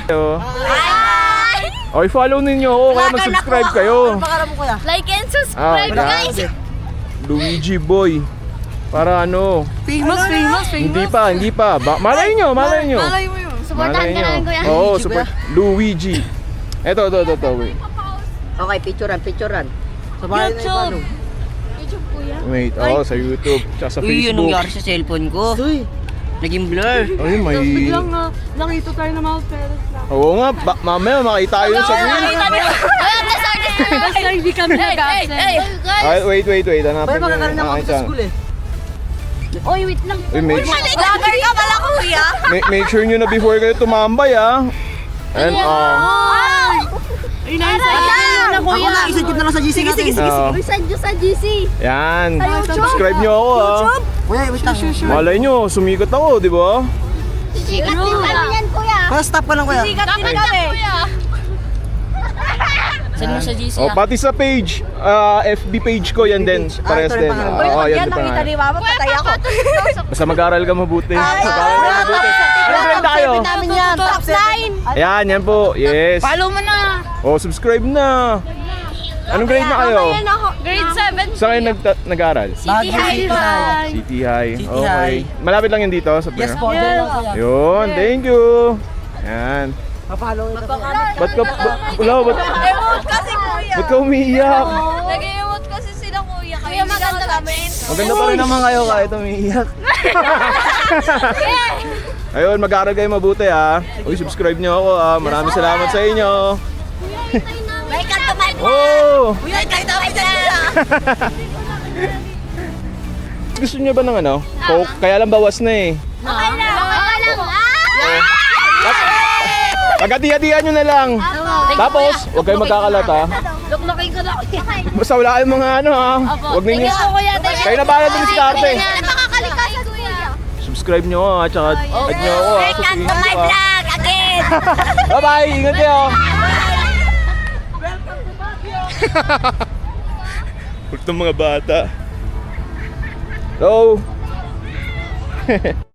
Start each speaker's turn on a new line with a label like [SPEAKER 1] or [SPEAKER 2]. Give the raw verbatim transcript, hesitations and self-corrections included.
[SPEAKER 1] Hi!
[SPEAKER 2] Okay, follow ninyo ako kaya mag-subscribe kayo.
[SPEAKER 1] Like and subscribe,
[SPEAKER 2] Ah,
[SPEAKER 1] guys!
[SPEAKER 2] Luigi Boy. Para ano?
[SPEAKER 3] Famous, famous, famous.
[SPEAKER 2] Hindi pa, hindi pa. Ba malay nyo, malay nyo.
[SPEAKER 3] Malay mo yun.
[SPEAKER 1] Supportahan ka namin, kuya.
[SPEAKER 2] Oo, support. Luigi. Eto, eto, eto, eto. Wait.
[SPEAKER 4] Okay, picturean, picturean.
[SPEAKER 3] YouTube.
[SPEAKER 1] YouTube, kuya.
[SPEAKER 2] Wait, oo, sa YouTube. Tsaka sa
[SPEAKER 4] Uy, yun
[SPEAKER 2] Facebook.
[SPEAKER 4] nangyari sa cellphone ko. Naging blur.
[SPEAKER 2] Ay, may...
[SPEAKER 3] Tapos biglang uh, nakita tayo ng mga parents na.
[SPEAKER 2] Oo nga, ba- mamaya makita tayo sa green.
[SPEAKER 1] Ay, artist, artist!
[SPEAKER 3] Basta hindi kami
[SPEAKER 1] Hey, hey,
[SPEAKER 3] nag-absent.
[SPEAKER 1] hey! Guys!
[SPEAKER 2] Ay, wait, wait, wait. Hanapin ko yung aking channel.
[SPEAKER 4] eh.
[SPEAKER 1] Oy, wait lang.
[SPEAKER 2] Uy, make,
[SPEAKER 1] Vlogger ka pala, kuya!
[SPEAKER 2] make, make sure nyo na before kayo tumambay, ah. And, ah.
[SPEAKER 1] Wow!
[SPEAKER 3] Ay, nice. Ay, na kuya.
[SPEAKER 4] Isagip na lang sa G C natin.
[SPEAKER 2] ah,
[SPEAKER 1] Uy, send nyo sa G C.
[SPEAKER 2] yan.
[SPEAKER 1] Sa YouTube.
[SPEAKER 2] Subscribe nyo ako, ah.
[SPEAKER 4] Kuya, wait lang.
[SPEAKER 2] Malay nyo, sumikat ako, di ba?
[SPEAKER 1] Sikat din kami yan, kuya.
[SPEAKER 4] Kuya, stop ka lang kuya.
[SPEAKER 1] Sikat din kami. Send mo sa G C,
[SPEAKER 2] O, pati sa page, ah, F B page ko, yan din. Parehas
[SPEAKER 4] ito rin
[SPEAKER 2] din.
[SPEAKER 4] pangalan.
[SPEAKER 2] Ah, Oo, yan din pangalan.
[SPEAKER 1] Mama, patay ako.
[SPEAKER 2] Basta mag-aral ka mabuti. Mag-aral ka mabuti. Ano grade na kayo?
[SPEAKER 1] namin yan. Top nine.
[SPEAKER 2] Ayan, yan po. Yes.
[SPEAKER 1] Follow mo na.
[SPEAKER 2] O, subscribe na. Anong grade na kayo?
[SPEAKER 1] Grade seven.
[SPEAKER 2] Saan kayo nag- nag-aral?
[SPEAKER 1] City High.
[SPEAKER 2] City High.
[SPEAKER 4] City
[SPEAKER 2] Okay.
[SPEAKER 4] High.
[SPEAKER 2] Malapit lang yun dito sa
[SPEAKER 4] Yes
[SPEAKER 2] Pino.
[SPEAKER 4] po, dyan lang kuya.
[SPEAKER 2] Yun, thank you. Yan.
[SPEAKER 4] Papalo ito.
[SPEAKER 2] Ba't ka, ba, wala, ba't,
[SPEAKER 1] Emote kasi, kuya.
[SPEAKER 2] ba't ka umiiyak?
[SPEAKER 1] Nag-emote kasi sila, kuya. Kuya, maganda kami.
[SPEAKER 2] Maganda pa rin naman kayo kahit umiiyak. Ayun, mag-aaral kayo mabuti ha. Uy, subscribe nyo ako ha. Maraming salamat sa inyo.
[SPEAKER 1] Like at the mic.
[SPEAKER 2] Oh!
[SPEAKER 1] Kuya, kahit kami sila.
[SPEAKER 2] Gusto nyo ba ng ano? Coke? Kaya lang bawas na eh.
[SPEAKER 1] Okay lang. Okay lang.
[SPEAKER 2] Pagkati-hatihan nyo na lang. Tapos, huwag kayong magkakalat ha.
[SPEAKER 1] Luklukin ko na, kuya.
[SPEAKER 2] Basta wala kayong mga ano ha. Huwag ninyo.
[SPEAKER 1] Thank you, kuya. Thank you.
[SPEAKER 2] Kayo na bahala dun sa arte.
[SPEAKER 1] Makakalikasan, kuya.
[SPEAKER 2] Subscribe nyo ha. Tsaka add nyo ako ha.
[SPEAKER 1] Like at the my vlog again.
[SPEAKER 2] Bye bye! Ingat kayo! Huwag ng mga bata. Hello!